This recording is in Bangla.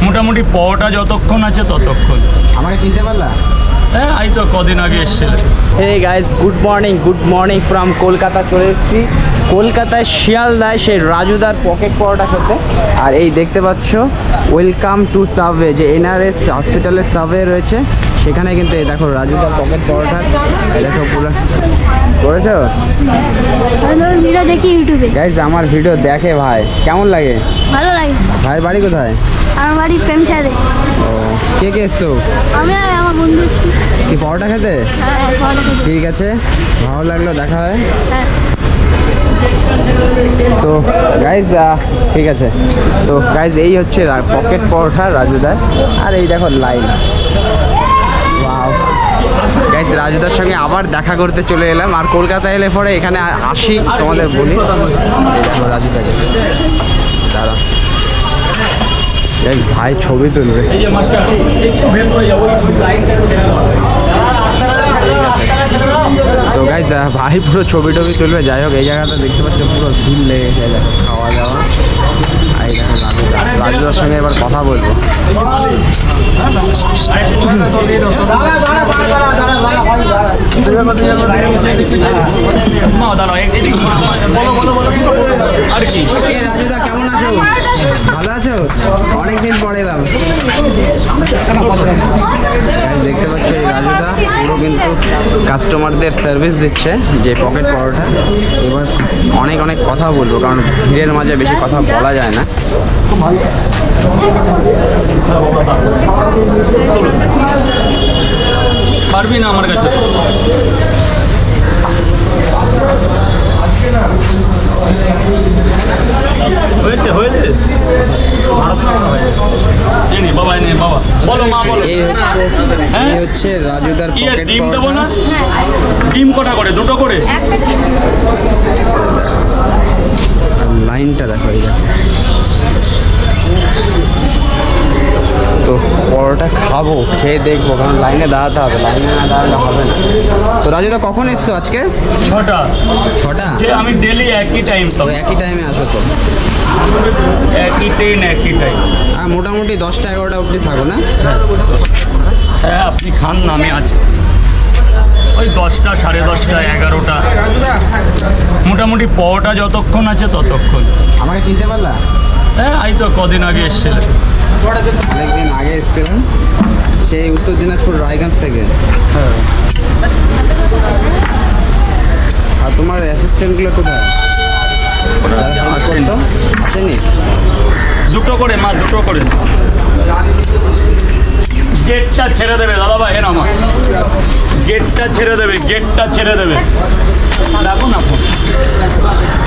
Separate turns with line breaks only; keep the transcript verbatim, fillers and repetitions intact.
মোটামুটি পটা যতক্ষণ আছে ততক্ষণ।
আমাকে চিনতে পারলা?
হ্যাঁ, এই তো কদিন আগে এসেছিলে।
Hey guys, good morning good morning from Kolkata. চলে এসেছি কলকাতায় শিয়ালদায় সেই রাজুদার পকেট পরোটা খেতে। আর এই দেখতে পাচ্ছ ওয়েলকাম টু সাবওয়ে, যে এনআরএস হসপিটালের সাবওয়ে রয়েছে সেখানে কিন্তু এই দেখো রাজুদার পকেট পরোটা। এই দেখো পুরো করেছো
ভিডিও দেখি ইউটিউবে।
গাইজ আমার ভিডিও দেখে ভাই, কেমন লাগে?
ভালো লাগে।
ভাইয়ের বাড়ি কোথায়?
আমার বাড়ি প্রেমচাঁদে।
ও, কে কে এসছো?
আমি আর আমার বন্ধু।
কি পরোটা খেতে?
হ্যাঁ, পরোটা খেতে।
ঠিক আছে, ভালো লাগলো, দেখা হয়।
হ্যাঁ।
তো গাইজ ঠিক আছে, তো গাইজ এই হচ্ছে পকেট পরোটা রাজুদার। আর এই দেখো লাইন। ওয়াও গাইজ, রাজুদার সঙ্গে আবার দেখা করতে চলে এলাম। আর কলকাতা এলে পরে এখানে আসি, তোমাদের বলি। এই দেখো রাজুদাকে, দাঁড়া গাইজ, ভাই ছবি তুলবে।
এই যে মাস্টার একটু ভেদ করে যাবো লাইনটা ছেড়ে দাও।
তো গাইজ ভাই পুরো ছবি টবি তুলবে। যাই হোক, এই জায়গাটা দেখতে পাচ্ছ পুরো ভিড় লেগেছে। দেখো খাওয়া দাওয়া। আর এই দেখো রাজুদা, রাজুদার সঙ্গে এবার কথা বলবো।
আর কি
রাজুদা কেমন আছো? ভালো আছো? অনেকদিন পরে এলাম। দেখতে পাচ্ছ এই রাজুদা পুরো কিন্তু কাস্টমারদের সার্ভিস দিচ্ছে যে পকেট পরোটা। এবার অনেক অনেক কথা বলবো, কারণ ভিড়ের মাঝে বেশি কথা বলা যায় না।
পারবি না আমার কাছে। হয়েছে হয়েছে জানি বাবা, নে বাবা, বলো মা বলো।
এই হচ্ছে এই হচ্ছে রাজুদার
কি
পকেট
ডিম দেবো না?
পরোটা।
ডিম কটা করে? দুটো করে?
লাইনটা দেখো, এই দেখো। তো পরোটা খাবো, খেয়ে দেখবো, কারণ লাইনে দাঁড়াতে হবে, লাইনে না দাঁড়ালে হবে না। তো রাজুদা কখন এসছো আজকে?
ছটা।
ছটা?
যে আমি ডেলি একই টাইম তো।
তো একই টাইমে আসো তো?
একই ট্রেন একই টাইম।
আর মোটামুটি দশটা এগারোটা অবধি থাকো না?
হ্যাঁ, আপনি খান না, আমি আছি ওই দশটা সাড়ে দশটা এগারোটা। মোটামুটি পটা যতক্ষণ আছে ততক্ষণ।
আমাকে চিনতে পারলা?
হ্যাঁ, এই তো কদিন আগে এসেছিলে।
অনেকদিন আগে এসেছিলাম, সেই উত্তর দিনাজপুর রায়গঞ্জ থেকে।
হ্যাঁ।
আর তোমার অ্যাসিস্ট্যান্টগুলো কোথায়?
আসেনি।
আসেনি?
দুটো করে মা, দুটো করে। গেটটা ছেড়ে দেবে দাদাভাই, হ্যাঁ আমার গেটটা ছেড়ে দেবে, গেটটা ছেড়ে দেবে। রাখুন আপনি।